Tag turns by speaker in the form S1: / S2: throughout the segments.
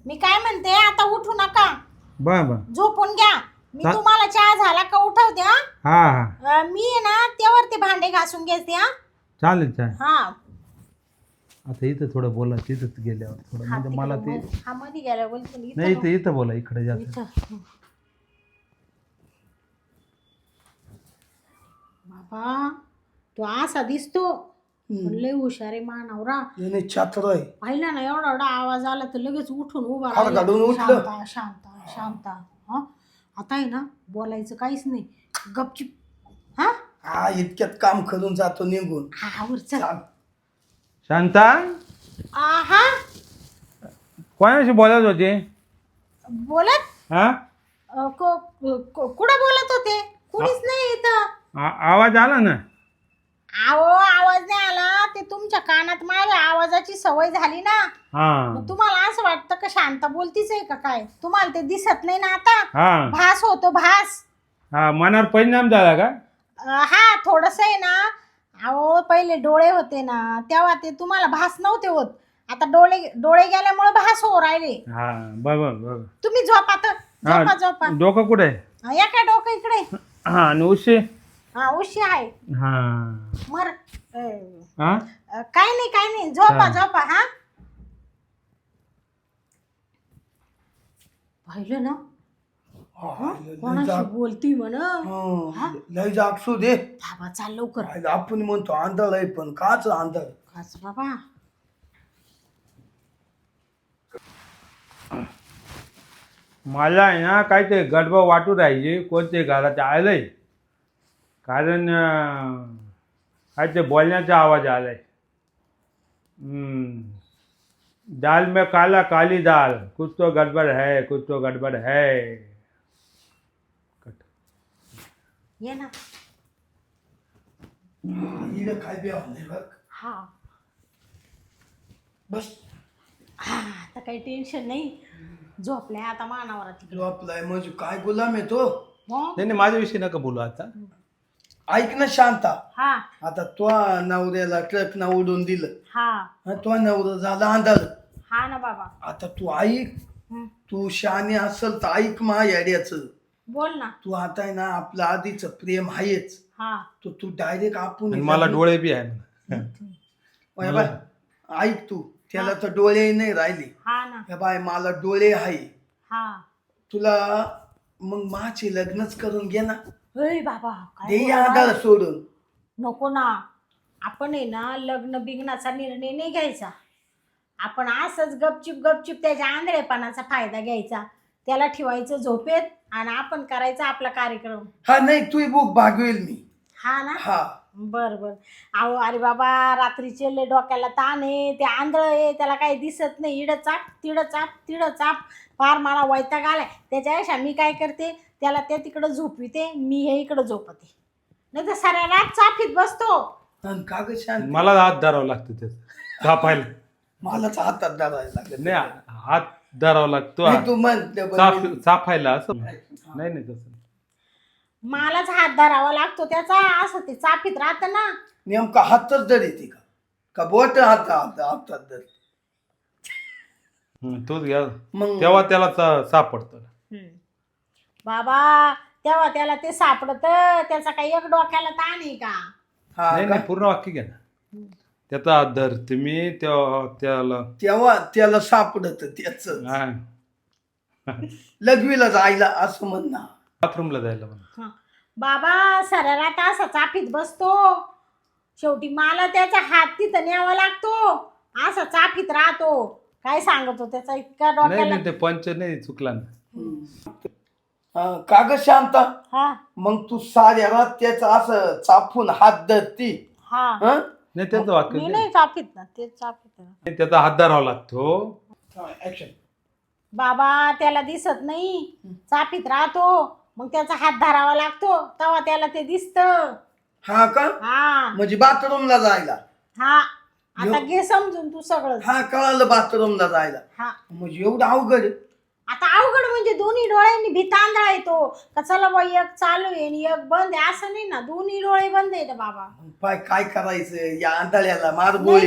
S1: मी काय म्हणते आता उठू नका.
S2: बर
S1: झोपून घ्या. मी तुम्हाला चहा झाला का उठवते.
S2: हा हा
S1: मी आहे ना त्यावरती भांडे घासून घेते.
S2: चालेल चालेल.
S1: हा
S2: आता इथं थोडं बोला तिथंच गेल्यावर थोडं म्हणजे मला ते
S1: हा मध्ये गेल्या बोलते
S2: नाही इथं बोला इकडे जात.
S1: बाबा तो असा दिसतो लय हुशार आहे मानवरा.
S3: याने छात्र आहे.
S1: पाहिला ना एवढा एवढा आवाज आला तर लगेच उठून उभा
S3: फार गाडून उठलं.
S1: शांता शांता शांता. हा आता आहे ना बोलायचं काहीच नाही. गपचिप. हा
S3: हा इतक्यात काम करून जातो निघून.
S1: हा वर चल.
S3: चाल.
S2: शांता
S1: हा
S2: कोणाशी बोलत होते?
S1: बोलत
S2: हा
S1: कुठं बोलत होते? कुणीच नाही इथं.
S2: आवाज आला ना.
S1: आहो आवाज नाही आला. ते तुमच्या कानात माझ्या आवाजाची सवय झाली ना.
S2: हा
S1: मग तुम्हाला असं वाटतं का शांता बोलतीच आहे का काय? तुम्हाला ते दिसत नाही ना आता.
S2: हा
S1: भास होतो भास.
S2: हा मनावर परिणाम झाला का?
S1: हा थोडस आहे ना. अहो पहिले डोळे होते ना तेव्हा ते तुम्हाला भास नव्हते होत. आता डोळे गेल्यामुळे भास हो राहिले.
S2: हा बरोबर बरोबर.
S1: तुम्ही झोपा तर. झोपा झोपा.
S2: डोकं कुठे आहे?
S1: या काय डोकं इकडे.
S2: हा आणि उशी?
S1: हा उशी आहे.
S2: हा
S1: मर
S2: हा
S1: काय नाही झोपा झोपा. हा पाहिलं ना कोणाशी बोलती म्हण.
S3: लय जागसू दे.
S1: थांबा चाल लवकर.
S3: आपण म्हणतो आंधळ आहे पण काच आंधळ.
S1: काच बाबा.
S2: मला आहे ना काय ते गडबड वाटू राहायची कोणते घरात आलंय कारण काय ते बोलण्याचा आवाज आलाय. दाल में काला काली दाल कुछ तो गड़बड़ है कुछ तो गड़बड़ है.
S1: ये ना.
S3: इकडे काय बी नाही बघ.
S1: हा
S3: बस
S1: हा आता काही टेन्शन नाही. झोपलाय आता मानावर
S3: जो आपलाय म्हणजे काय गुलाम आहे तो.
S2: नाही माझ्याविषयी नका बोलू आता.
S3: ऐक ना शांता.
S1: हा
S3: आता तो नवऱ्याला ट्रक ना उडून दिलं.
S1: हा
S3: तो नवरा झाला आंधळ.
S1: हा ना बाबा.
S3: आता तू ऐक. तू शहाणी असल तर ऐक मा याड्याचं.
S1: बोल ना.
S3: तू आता आहे ना आपलं आधीच प्रेम आहेच.
S1: हा
S3: तू डायरेक्ट आपण
S2: मला डोळे बी आहे.
S3: ऐक तू त्याला तर डोळे नाही राहिले.
S1: हा ना.
S3: हे बाय मला डोळे आहे.
S1: हा
S3: तुला मग माझे लग्नच करून घे ना.
S1: अरे बाबा काय
S3: दे
S1: बोलला?
S3: आंधळ सोडून.
S1: नको ना. आपण आहे ना लग्न बिग्नाचा निर्णय नाही घ्यायचा. आपण असंच गपचिप त्याच्या आंधळेपणाचा फायदा घ्यायचा. त्याला ठेवायचं झोपेत आणि आपण करायचा आपला कार्यक्रम.
S3: हा नाही तू बुक भागवेल मी.
S1: हा ना.
S3: हा
S1: बर अहो अरे बाबा रात्रीचे लय डोक्याला ताण आहे. ते आंधळ आहे त्याला काही दिसत नाही. इडं चाप तिडं चाप फार मला वैताग आलाय. त्याच्यापेक्षा मी काय करते त्याला ते तिकडं झोपविते मी हे इकडं झोपते. नाही तर साऱ्या रात चाफीत बसतो.
S3: आणि का ग शांत.
S2: मला हात धरावं लागतं त्याचं कापायला.
S3: मलाच हातात धरायला लागलं.
S2: नाही हात धरावा लागतो
S3: तू म्हण
S2: चाफायला असं नाही तसं.
S1: मलाच हात धरावा लागतो त्याचा. असं ते चाफीत राहत ना.
S3: नेमका हातच धर येते का बोट हातात धर.
S2: तोच घ्या
S3: मग
S2: तेव्हा त्याला सापडतं.
S1: बाबा तेव्हा त्याला ते सापडत. त्याचा काही एक डोक्याला ताण आहे का?
S2: नाही पूर्ण वाक्य घ्या ना. त्याचा हात धर तुम्ही
S3: तेव्हा त्याला सापडत त्याच लघवीला जायला असं म्हण ना.
S2: बाथरूमला जायला म्हणा.
S1: बाबा साऱ्या रात असा चाफीत बसतो. शेवटी मला त्याचा हात तिथं न्यावा लागतो. असा चाफीत राहतो. काय सांगतो त्याचा इतका डोक्याला.
S2: नाही ते पंच नाही चुकला ना.
S3: का ग शांता.
S1: हा
S3: मग तू साऱ्या रात त्याचा असं चापून हात धरती.
S1: हा
S2: नाही त्याचं वाक्य
S1: मी नाही चाफीत ना. ते चाफीत.
S2: त्याचा हात धरावा लागतो.
S3: ऍक्शन.
S1: बाबा त्याला दिसत नाही. चाफीत राहतो. मग त्याचा हात धरावा लागतो तेव्हा त्याला ते दिसत.
S3: हा का.
S1: हा
S3: म्हणजे बाथरूमला जायला.
S1: हा आता घे समजून तू सगळं.
S3: हा कळालं बाथरूमला जायला.
S1: हा
S3: म्हणजे एवढं अवघड आहे?
S1: आता अवघड म्हणजे दोन्ही डोळ्यांनी भितांधळा येतो का चला बाई एक चालू आहे आणि एक बंद आहे असं नाही ना. दोन्ही डोळे बंद आहेत बाबा.
S3: पाय काय करायचं या आंधळ्याला मार
S1: नाही
S3: गोळी.
S1: नाही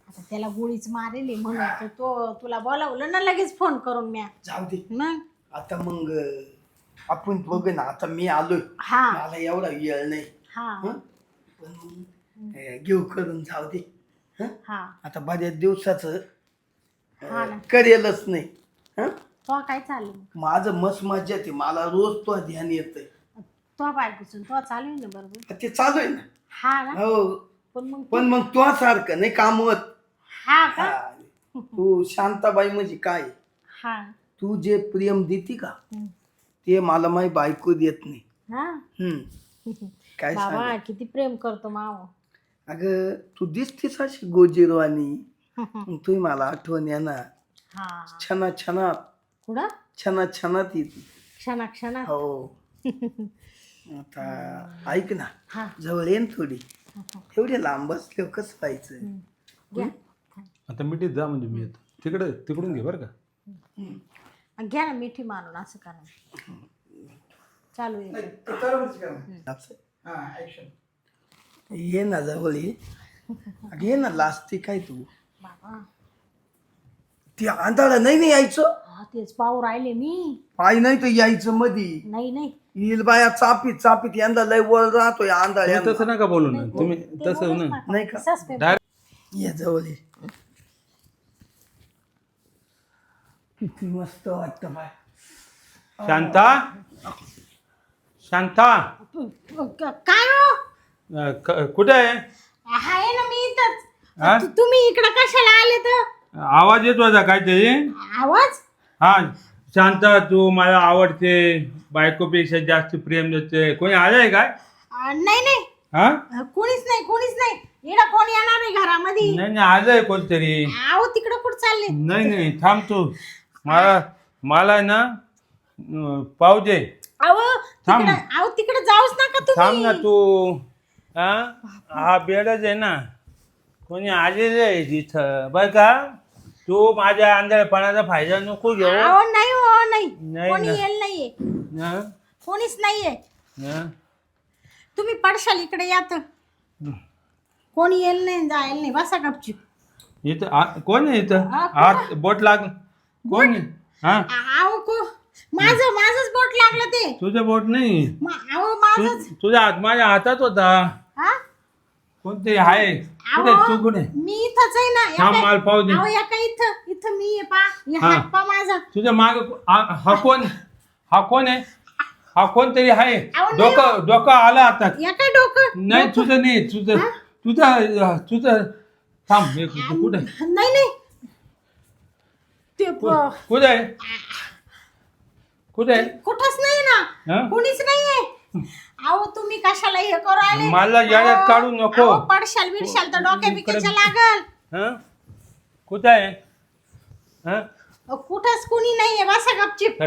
S1: आता त्याला गोळीच मारेली म्हणून तो तुला बोलावलं ना लगेच फोन करून म्या.
S3: जाऊ दे
S1: मग
S3: आता मग आपण बघ ना आता मी आलोय
S1: हा
S3: मला एवढा वेळ नाही
S1: हा
S3: हं? पण मग घेऊ करून जाऊ दे हं?
S1: हा
S3: आता बऱ्याच दिवसाचं
S1: हा ना.
S3: करेलच नाही हं?
S1: तो काय चालू
S3: माझं मस्त मजा येते मला रोज तो ध्यान येतंय
S1: तो बायकोचं तो चालू आहे ना बरोबर.
S3: ते चालू आहे ना
S1: हा ना.
S3: हो
S1: पण
S3: पण मग तो सारखं नाही कामवत
S1: हा का.
S3: हा. तू शांताबाई म्हणजे काय
S1: हा
S3: तू जे प्रेम देती का
S1: हम्म.
S3: ते मला माही बायको देत नाही
S1: हा
S3: काय
S1: बाबा
S3: सांग
S1: किती प्रेम करतो माव.
S3: अगं तू दिसतीस अशी गोजीरवाणी तुम्ही मला आठवण येणार
S1: हा
S3: छना छनात
S1: कुठं
S3: छना छनात येते
S1: क्षणा क्षणात.
S3: हो आता ऐक ना
S1: हा
S3: जवळ येईन थोडी एवढे लांब असले कसं व्हायचं
S1: घ्या
S2: आता मिठीत जा म्हणजे मी येतो तिकडून घे बरं का.
S1: घ्या ना मिठी मारून असं करा चालू आहे.
S3: ये ना जवळ ये अगं ये ना लाजते काय तू
S1: बाबा
S3: ती आंधळा नाही यायचं
S1: हा तेच पाहू राहिले मी.
S3: पाय नाही तर यायचं मधी
S1: नाही नाही
S3: येईल बाया चापीत चापीत यंदा लय वळ राहतोय आंधळ्या
S2: तुम्ही तसं नका बोलू ना तुम्ही
S1: ते
S2: तसं
S1: बोलूच
S2: ना
S1: नका.
S3: नाही का?
S1: तसाच पेपर.
S2: डायरेक्ट
S3: ये जवळ ये किती मस्त वाटतं बाय
S2: शांता शांता
S1: काय हो
S2: कुठे आहे
S1: आहे ना मी इथंच.
S2: हा?
S1: तुम्ही इकडं कशाला आले तर
S2: आवाज येतो आता काहीतरी
S1: आवाज.
S2: हा शांता तू मला आवडते बायकोपेक्षा जास्त प्रेम देते कोणी आलंय काय
S1: नाही नाही
S2: हा
S1: कोणीच नाही इकडं कोण येणार नाही घरामध्ये.
S2: नाही नाही आलंय कोणतरी
S1: आहो तिकडं कुठं चालले.
S2: नाही थांब तू मला ना पाहू दे
S1: अहो
S2: थांब.
S1: तिकडे जाऊच नका
S2: थांब ना
S1: तुम्ही.
S2: तू हा बेडच आहे ना कोणी आलेलं आहे तिथं बरं का तू माझ्या आंधळेपणाचा फायदा नको घेऊ
S1: अहो नाही हो नाही
S2: नाही
S1: कोणी
S2: ना.
S1: येईल नाहीये
S2: हं?
S1: कोणीच नाहीये.
S2: हं?
S1: तुम्ही पडशाल इकडे या तर कोणी येईल नाही जायला नाही बसा गपचूप.
S2: इथं कोण आहे इथं
S1: हा,
S2: हात बोट लाग कोण आहे हा
S1: अहो माझंच बोट लागलं ते.
S2: तुझं बोट नाही
S1: अहो माझंच.
S2: तुझा हात माझ्या हातात होता
S1: हा
S2: कोणते आहे कुठे तू कुठे
S1: मी इथंच आहे ना.
S2: थांब माल पाहू दे
S1: अहो या का इथं मी आहे पा
S2: हा.
S1: हात पा माझा.
S2: तुझ्या माग हा कोण आहे हा कोणतरी आहे
S1: अहो, नाही
S2: डोकं आलं आता
S1: या काय डोकं.
S2: नाही तुझं नाही तुझं थांब एक मिनिट, कुठे
S1: नाही ते
S2: कुठे आहे
S1: कुठंच नाही ना.
S2: हं?
S1: कोणीच नाहीये. अहो तुम्ही कशाला हे करू आले.
S2: मला याड्यात
S1: अहो,
S2: काढू नको.
S1: अहो, पडशाल बिडशाल तर डोक्या बिक्याच्या लागल.
S2: हं? कुठे आहे
S1: कुठंच कुणी नाहीये बसा गपचिप.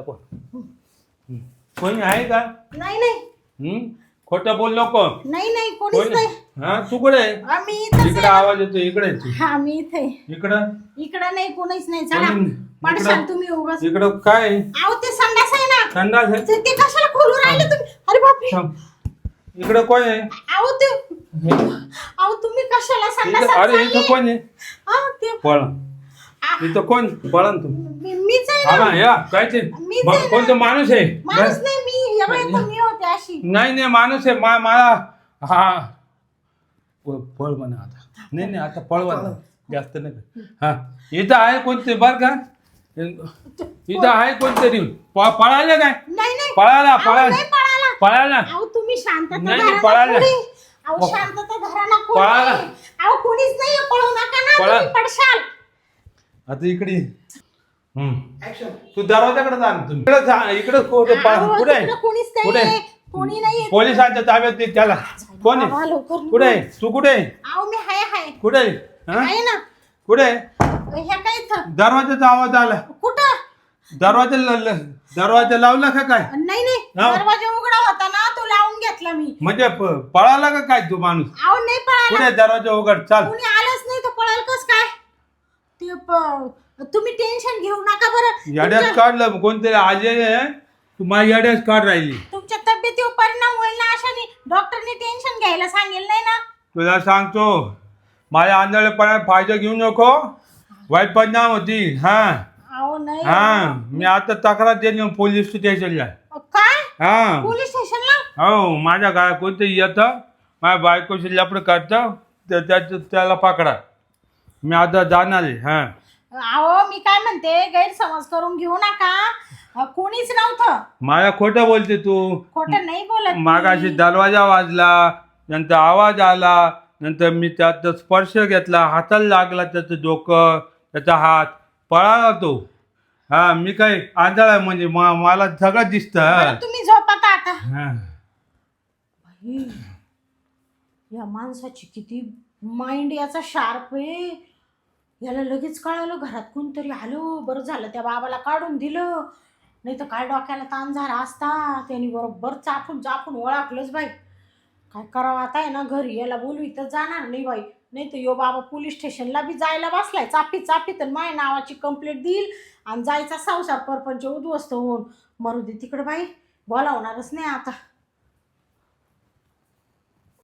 S2: कोणी आहे का
S1: नाही
S2: खोटं बोल नको
S1: नाही कोणीच नाही.
S2: हा तू कुठे आहे
S1: आम्ही इथंच
S2: इकडे
S1: आहे.
S2: आवाज येतो इकडे आहे तू.
S1: हा मी इथे
S2: इकडं
S1: इकडं नाही कोणीच नाही. चला
S2: कोणी-
S1: पडशाल
S2: इकडं-
S1: तुम्ही उगाच.
S2: इकडं काय आहे?
S1: अहो ते संडास आहे ना.
S2: संडास आहे
S1: ते कशाला खोलू राहिले तुम्ही. अरे बापरे.
S2: थांब. इकडं कोण आहे
S1: अहो ते अहो तुम्ही कशाला संडास.
S2: अरे इथं कोण आहे
S1: ते
S2: पळ इथं कोण पळा तू
S1: मीच आहे ना.
S2: या काय ते
S1: मीच आहे ना.
S2: कोणतं माणूस आहे
S1: माणूस नाही मी एवढे मी होते अशी.
S2: नाही माणूस आहे मला हा पळ म्हणा आता नाही आता पळवा ना. जास्त नाही हा इथं आहे कोणते बर का इथं आहे कोणतरी पळायला काय
S1: नाही
S2: पळायला
S1: अहो, नाही पळाला.
S2: पळायला
S1: अहो तुम्ही शांतता
S2: नाही,
S1: धरा ना
S2: पळायला.
S1: थोडी. अहो शांतता धरा ना कोणी.
S2: पळायला.
S1: अहो कोणीच नाहीये पळू नका ना.
S2: पळा.
S1: तुम्ही पडशाल.
S2: आता इकडे तू दरवाजाकडे जा ना तुम्ही इकडे जा इकडे कुठे
S1: अहो,
S2: कुठे आहे?
S1: तिकडं कोणीच
S2: कुठे
S1: नाहीये. कोणी नाहीये.
S2: पोलिसांच्या ताब्यात दे त्याला कोण
S1: बाबा,
S2: आहे
S1: लवकर
S2: कुठे आहे तू कुठे आहे
S1: अहो मी हाय
S2: कुठे आहे हा?
S1: आहे ना.
S2: कुठे आहे
S1: ह्या काय इथं
S2: दरवाजाचा आवाज आला
S1: कुठं.
S2: दरवाजा लावला का काय
S1: नाही
S2: हा.
S1: दरवाजा उघडा होता ना तो लावून घेतला मी.
S2: म्हणजे पळाला का काय तू माणूस
S1: अहो नाही पळाला.
S2: कुठे आहे? दरवाजा उघड चाल
S1: कोणी आलंच नाही तर पळाल कस काय. तुम्ही टेन्शन घेऊ नका बरं.
S2: याड्यात काढलं कोणतरी आजे तू माझ्या याड्यात काढ राहिली
S1: तुमच्या तब्येतीवर परिणाम होईल ना अशाने डॉक्टरने टेन्शन घ्यायला सांगेल नाही ना.
S2: तुला सांगतो माझ्या आंधळेपणात फायदा घेऊ नको, वाईट परिणाम होती. हा
S1: अहो नाही
S2: हा मी आता तक्रार देईन पोलीस स्टेशनला.
S1: काय
S2: हा
S1: पोलीस स्टेशनला?
S2: हो माझ्या काय कोणतरी येतं माझ्या बायकोशी लपड करतं त्याला पकडा. मी आता जाणार आहे. हा
S1: अहो मी काय म्हणते, गैरसमज करून घेऊ नका. कोणीच नव्हतं.
S2: मला खोटं बोलते तू.
S1: खोटं नाही बोलत मी.
S2: मागाशी दरवाजा वाजला, नंतर आवाज आला, नंतर मी त्याचा स्पर्श घेतला, हाताला लागला त्याचं डोकं त्याचा हात, पळाला तो. हा मी काय आंधळ आहे म्हणजे मला सगळं दिसतं.
S1: बरं, तुम्ही झोपता आता.
S2: हा.
S1: बाई, या माणसाची किती माइंड याचा शार्प आहे. याला लगेच कळालं घरात कोणतरी आलं. बरं झालं त्या बाबाला काढून दिलं, नाही तर काय डोक्याला ताण झाला असता. त्यांनी बरोबर चापून चापून ओळखलंच बाई. काय करावं आता आहे ना, घरी याला बोलवी तर जाणार नाही बाई. नाही तर यो बाबा पोलीस स्टेशनला बी जायला बसलाय चापी चापी, तर माझ्या नावाची कंप्लेंट देईल आणि जायचा संसार परपंच उद्ध्वस्त होऊन. मरू दे तिकडे बाई, बोलावणारच नाही आता.